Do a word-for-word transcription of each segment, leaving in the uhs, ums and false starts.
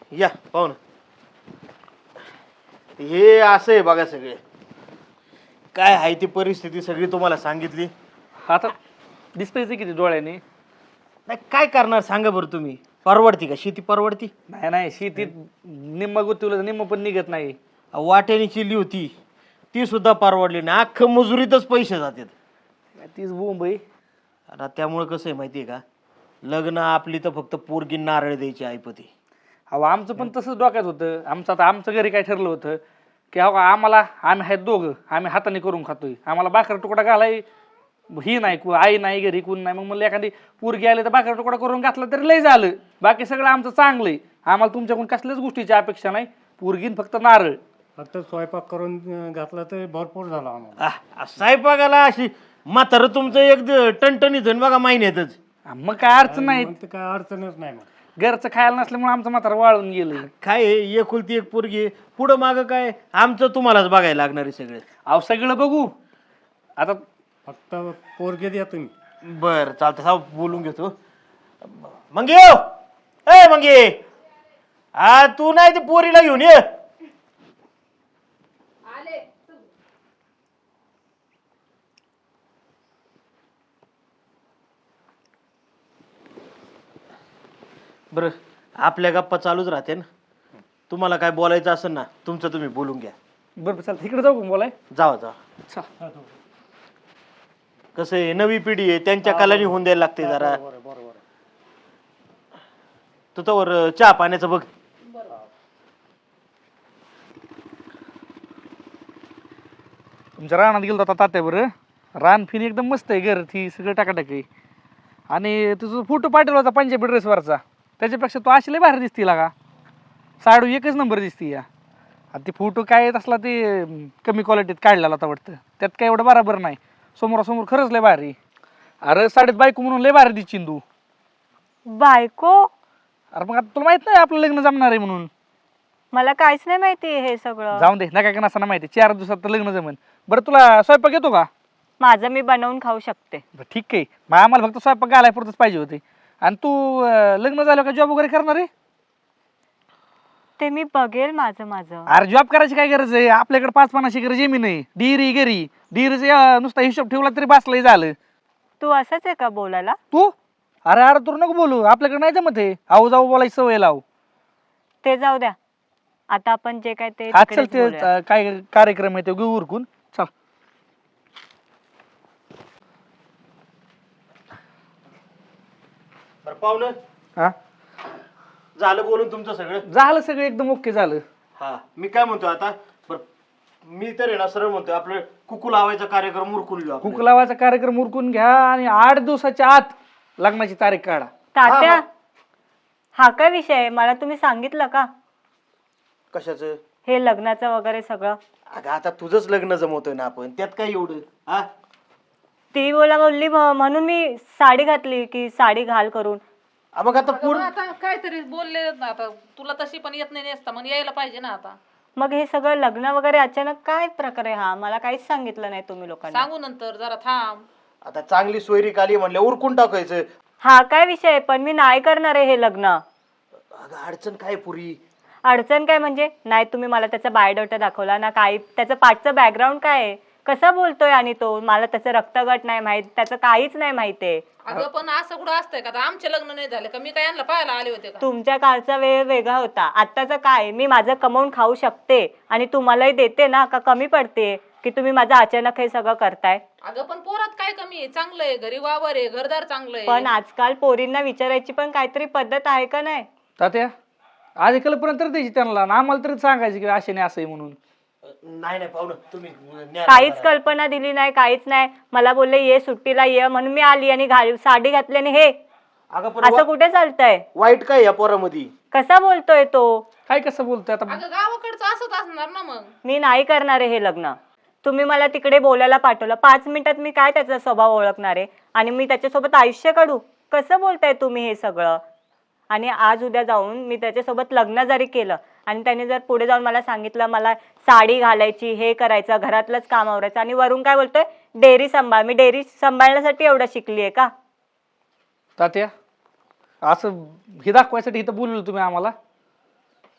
या पाहून हे असं आहे बघा सगळे काय आहे ती परिस्थिती सगळी तुम्हाला सांगितली. आता दिसतंय किती डोळ्याने. नाही काय करणार सांगा बरं तुम्ही. परवडती का शेती परवडती? नाही नाही शेतीत निम्म गुंतवलं निम्म पण निघत नाही. वाट्याने चिल्ली होती ती सुद्धा परवडली नाही. अख्खं मजुरीतच पैसे जातात. तीच बोंब आहे. आता त्यामुळे कसं आहे माहिती आहे का, लग्न आपली तर फक्त पोरगी नारळ द्यायची ऐपती. अहो आमचं पण तसंच डोक्यात होतं. आमचं आता आमचं घरी काय ठरलं होतं की अहो आम्हाला आम्ही आहेत दोघं, आम्ही हाताने करून खातोय, आम्हाला भाकर तुकडा घालाय ही नाही, आई नाही घरी कोण नाही. मग म्हणलं एखादी पोरगी आली तर भाकर तुकडा करून घातला तरी लय झालं. बाकी सगळं आमचं चांगलं आहे. आम्हाला तुमच्याकडून कसल्याच गोष्टीची अपेक्षा नाही. पोरगीन फक्त नारळ. फक्त स्वयंपाक करून घातला तर भरपूर झाला आम्हाला. आह, स्वयंपाकाला अशी म्हातारं तुमचं एक टणटणीत होईन बघा महिन्यातच. मग काय अडचण नाही. मग तर काय अडचणच नाही मग. घरचं खायला नसल्यामुळे आमचं म्हातारा वाळून गेलं. काय आहे, एकुलती एक पोरगी आहे. पुढं मागं काय आमचं तुम्हालाच बघायला लागणार आहे सगळे. अहो सगळं बघू आता. फक्त पोरगे द्या तुम्ही. बर चालतं साव बोलून घेतो. मग येऊ ए मग ये हा तू नाही ते पोरीला घेऊन ये. बरं आपल्या गप्पा चालूच राहते ना. तुम्हाला काय बोलायचं असेल ना तुमचं तुम्ही बोलून घ्या. बरं चालतं इकडे जाऊ का बोलाय. जावा जावा. कसं आहे नवी पिढी आहे त्यांच्या कलानी होऊन द्यायला लागते जरा. बरोबर. तू तर चहा पाण्याचं बघ. तुमच्या रानात गेलो आता तात्या. बरं रान फिन एकदम मस्त आहे. घर ती सगळं टाकाटाक आहे. आणि तुझा फोटो पाठवला होता पंजाबी ड्रेसवरचा, त्याच्यापेक्षा तू अशी लय भारी दिसती का. साडू एकच नंबर दिसती या. आता ते फोटो काय येत असला ते कमी क्वालिटीत काढलेला होता वाटतं. त्यात काय एवढं बरोबर नाही. समोरासमोर खरंच लय भारी. अरे साडीत बायको म्हणून लय भारी दिसशील तू. बायको? अरे मग आता तुला माहित नाही आपलं लग्न जमणार आहे म्हणून. मला काहीच नाही माहिती हे सगळं. जाऊन दे नका का नसताना माहिती. चार दिवसात तर लग्न जमन. बरं तुला स्वयंपाक येतो का? माझं मी बनवून खाऊ शकते. ठीक आहे मग आम्हाला फक्त स्वयंपाक घालाय पुरतच पाहिजे होते. आणि तू लग्न झालं का जॉब वगैरे करणार आहे? ते मी बघेल माझं माझं. अरे जॉब करायची काय गरज आहे. आपल्याकडे पाच पानाची गरज जमीन आहे. डिरी घरी डिरीचा नुसता हिशोब ठेवला तरी बसलाही झालं. तू असंच आहे का बोलायला? तू अरे अरे तू नको बोलू. आपल्याकडे नाही जमत आहे. आऊ जाऊ बोलायची सवय लाव. ते जाऊ द्या. आता आपण जे काय ते हा चल तिकडेच ते बोलूया. अं, काय कार्यक्रम आहे ते घेऊ उरकून. चल बरं पाहुणं हा झालं बोलून तुमचं सगळं. झालं सगळं एकदम ओके झालं. हा मी काय म्हणतो आता बरं मी तर आहे ना सरळ म्हणतोय आपलं कुकू लावायचा कार्यक्रम उरकून घेऊ आपण. कुक लावायचा कार्यक्रम उरकून घ्या आणि आठ दिवसाच्या आत लग्नाची तारीख काढा. तात्या, हा, हा काय विषय आहे? मला तुम्ही सांगितलं का कशाचं? हे लग्नाचं वगैरे सगळं? अगं आता तुझंच लग्न जमवतोय ना आपण, त्यात काय एवढं. हा ती बोला बोलली म- म्हणून मी साडी घातली की साडी घाल करून. आ, मग आता अगं पूर्ण मग आता काहीतरी बोलले ना. आता तुला तशी पण येत नाही नेसता मग यायला पाहिजे ना. आता मग हे सगळं लग्न वगैरे अचानक काय प्रकारे? हा मला काहीच सांगितलं नाही तुम्ही लोकांना. सांगू नंतर जरा थांब. आता चांगली सोयरी आली म्हणलं उरकून टाकायचं. हा काय विषय आहे? पण मी नाही करणार आहे हे लग्न. अगं अडचण काय पुरी? अडचण काय म्हणजे? नाही तुम्ही मला त्याचा बायोडाटा दाखवला ना, काही त्याचं पाठचं बॅकग्राऊंड काय आहे, कसा बोलतोय. आणि तो मला त्याचं रक्तगट नाही माहित, त्याचं काहीच नाही माहित आहे. अगं पण असं कुठं असतंय का? आता आमचे लग्न नाही झाले का मी काय यांना पाहायला आले होते का? तुमच्या काळचा वेळ वेगळा होता. आत्ताचं काय, मी माझं कमवून खाऊ शकते आणि तुम्हालाही देते ना. का कमी पडते की तुम्ही माझं अचानक हे सगळं करताय? अगं पण पोरात काय कमी आहे? चांगलं आहे, घरी वावर आहे, घरदार चांगलं पण आहे. आजकाल पोरींना विचारायची पण काहीतरी पद्धत आहे का नाही? तात्या आधी कल्पना तर द्यायची त्यांना आणि आम्हाला तरी सांगायची की असे नाही असं आहे म्हणून. नाही नाही पाहुणं तुम्ही न्या- काहीच कल्पना दिली नाही, काहीच नाही. मला बोलले ये सुट्टीला ये म्हणून मी आली आणि घाल साडी घातली आणि हे अगं पण असं वा- कुठे चालतंय? वाईट काय या पोरामध्ये? कसा बोलतोय तो? काय कसं बोलतोय आता. अगं गावाकडचं असंच असणार ना मग. मी नाही करणार आहे हे लग्न. तुम्ही मला तिकडे बोलायला पाठवलं, पाच मिनिटात मी काय त्याचा स्वभाव ओळखणार आहे आणि मी त्याच्यासोबत आयुष्य काढू? कसं बोलताय तुम्ही हे सगळं? आणि आज उद्या जाऊन मी त्याच्यासोबत लग्न जरी केलं आणि त्याने जर पुढे जाऊन मला सांगितलं मला साडी घालायची, हे करायचं, घरातलंच काम आवरायचं, आणि वरून काय बोलतोय डेअरी सांभाळ. मी डेअरी सांभाळण्यासाठी एवढं शिकली आहे का? तात्या असं हे दाखवायसाठी इथं बोललो तुम्ही आम्हाला.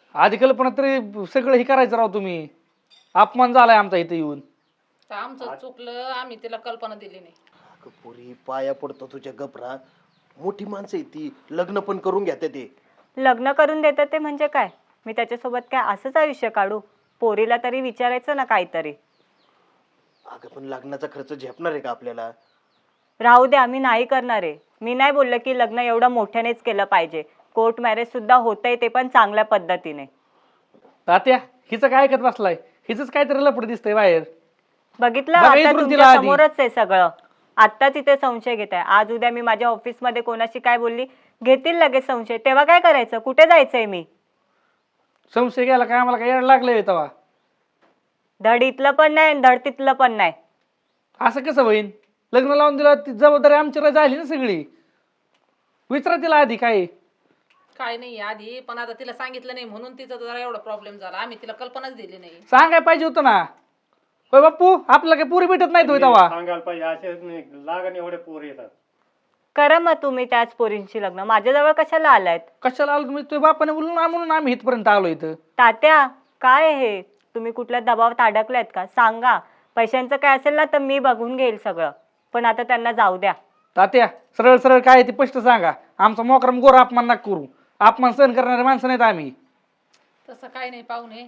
आधी कल्पना तरी सगळं हे करायचं राव तुम्ही. अपमान झालाय आमचा इथे येऊन. तर आमचं चुकलं, आम्ही तिला कल्पना दिली नाही. अगं पोरी पाया पडतो तुझ्या गपरा. मोठी माणसं आहे ती, लग्न पण करून घ्या ते. लग्न करून देतात ते म्हणजे काय? मी त्याच्यासोबत काय असंच आयुष्य काढू? पोरीला तरी विचारायचं ना काहीतरी. अगं पण लग्नाचा खर्च झेपणार आहे का आपल्याला? राहू द्या, मी नाही करणार आहे. मी नाही बोललं की लग्न एवढं मोठ्यानेच केलं पाहिजे. कोर्ट मॅरेज सुद्धा होतंय, ते पण चांगल्या पद्धतीने. तात्या हिचं काय ऐकत बसलाय? हिचंच काहीतरी लपड दिसतंय बाहेर. बघितलं बघा आता इकडून तुमच्या तिला आधी. समोरच आहे सगळं. आत्ताच इथे संशय घेत आहे. आज उद्या मी माझ्या ऑफिसमध्ये कोणाशी काय बोलली, घेतील लगेच संशय. तेव्हा काय करायचं? कुठे जायचंय मी? संशय घ्यायला काय आम्हाला काय येड लागलंय तेव्हा? धड इथलं पण नाही आणि धड तिथलं पण नाही. असं कसं होईन? लग्न लावून दिलं ती जबाबदारी आमची झाली ना सगळी. विचारा तिला आधी काय. काय नाही आधी, पण आता तिला सांगितलं नाही म्हणून तिचा जरा एवढा प्रॉब्लेम झाला. आम्ही तिला कल्पनाच दिली नाही. सांगाय पाहिजे होतं ना. होय बाप्पू, आपल्याला काही पुरी भेटत नाही होय तेव्हा. सांगायला पाहिजे असे नाही लागण एवढे पोर येतात. करा मग तुम्ही त्याच पोरींची लग्न. माझ्याजवळ कशाला आलायत? कशाला आलो तुम्ही? तुझ्या बापाने बोलून आ म्हणून आम्ही इथपर्यंत आलो इथं. तात्या काय हे? तुम्ही कुठल्या दबावात अडकलायत का? सांगा. पैशांचं काय असेल ना तर मी बघून घेईल सगळं, पण आता त्यांना जाऊ द्या. तात्या सरळ सरळ काय ते स्पष्ट सांगा. आमचा मोकरम गोर अपमान नका करू. अपमान सहन करणारे माणसं नाहीत आम्ही. तसं काय नाही पाहुणे.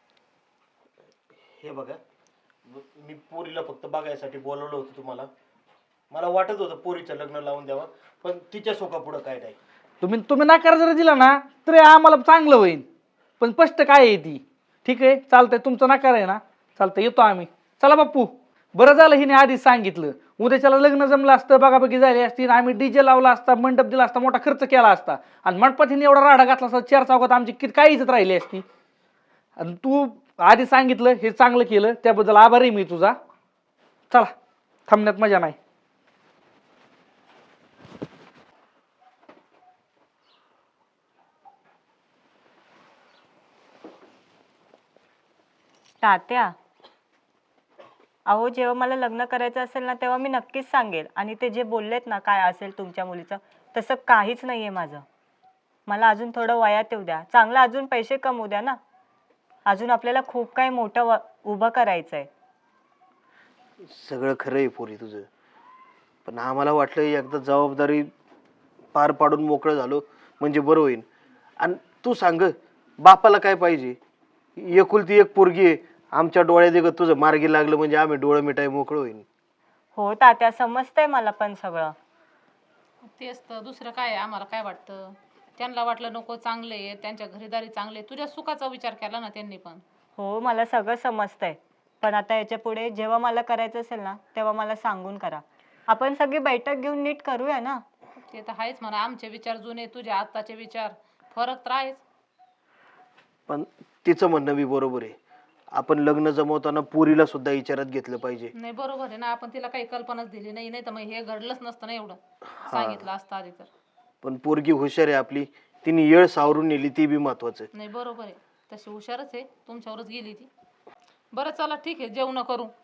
हे बघा, मी पोरीला फक्त बघायसाठी बोलवलं होतं तुम्हाला. मला वाटत होतं पोरीचं लग्न लावून द्यावं, पण तिच्या सोका पुढं काय नाही. तुम्ही तुम्ही नकार जर दिला ना तरी आम्हाला चांगलं होईल. पण स्पष्ट काय आहे ती. ठीक आहे चालतंय, तुमचं नकार आहे ना, चालतंय येतो आम्ही. चला बाप्पू, बरं झालं हिने आधीच सांगितलं. उद्याच्याला लग्न जमलं असतं, बघाबघी झाली असती, आम्ही डीजे लावला असता, मंडप दिला असता, मोठा खर्च केला असता, आणि मंडपात हिने एवढा राडा घातला असता, चार चौकात आमची किती काय इज्जत राहिली असती. आणि तू आधी सांगितलं हे चांगलं केलं, त्याबद्दल आभारी मी तुझा. चला, थांबण्यात मजा नाही. तात्या अहो, जेव्हा मला लग्न करायचं असेल ना तेव्हा मी नक्कीच सांगेल. आणि ते जे बोललेत ना काय असेल तुमच्या मुलीचं, तसं काहीच नाहीये माझं. मला अजून थोडं वयात येऊ द्या, चांगलं अजून पैसे कमवू द्या ना. अजून आपल्याला खूप काही मोठं व उभं करायचंय. सगळं खरं आहे पोरी तुझं, पण आम्हाला वाटलं एकदा जबाबदारी पार पाडून मोकळं झालो म्हणजे बरं होईल. आणि तू सांग, बापाला काय पाहिजे? एकुलती एक पोरगी आहे. आमच्या डोळ्यात देखत तुझं मार्गी लागलं म्हणजे आम्ही डोळं मिठाई मोकळं होईल. हो तात्या, समजतंय मला पण सगळं. तेच तर, दुसरं काय आम्हाला काय वाटतं? त्यांना वाटलं नको चांगले आहे, त्यांच्या घरीदारी चांगले, तुझ्या सुखाचा विचार केला ना त्यांनी पण. हो मला सगळं समजतंय, पण आता याच्या पुढे जेव्हा मला करायचं असेल ना तेव्हा मला सांगून करा. आपण सगळी बैठक घेऊन नीट करूया ना. ते तर आहेच म्हणा, आमचे विचार जुने, तुझे आत्ताचे विचार फरक तर आहेच. पण तिचं म्हणणं बी बरोबर आहे. आपण लग्न जमवताना पोरीला सुद्धा विचारात घेतलं पाहिजे. नाही बरोबर आहे ना, आपण तिला काही कल्पनाच दिली नाही, नाही तर मग हे घडलंच नसतं ना एवढं. सांगितलं असतं आधी तर. पण पोरगी हुशार आहे आपली, तिने येळ सावरून नेली, ती बी महत्वाचं. नाही बरोबर आहे, तशी हुशारच आहे, तुमच्यावरच गेली ती. बरं चला ठीक आहे, जेवण करू.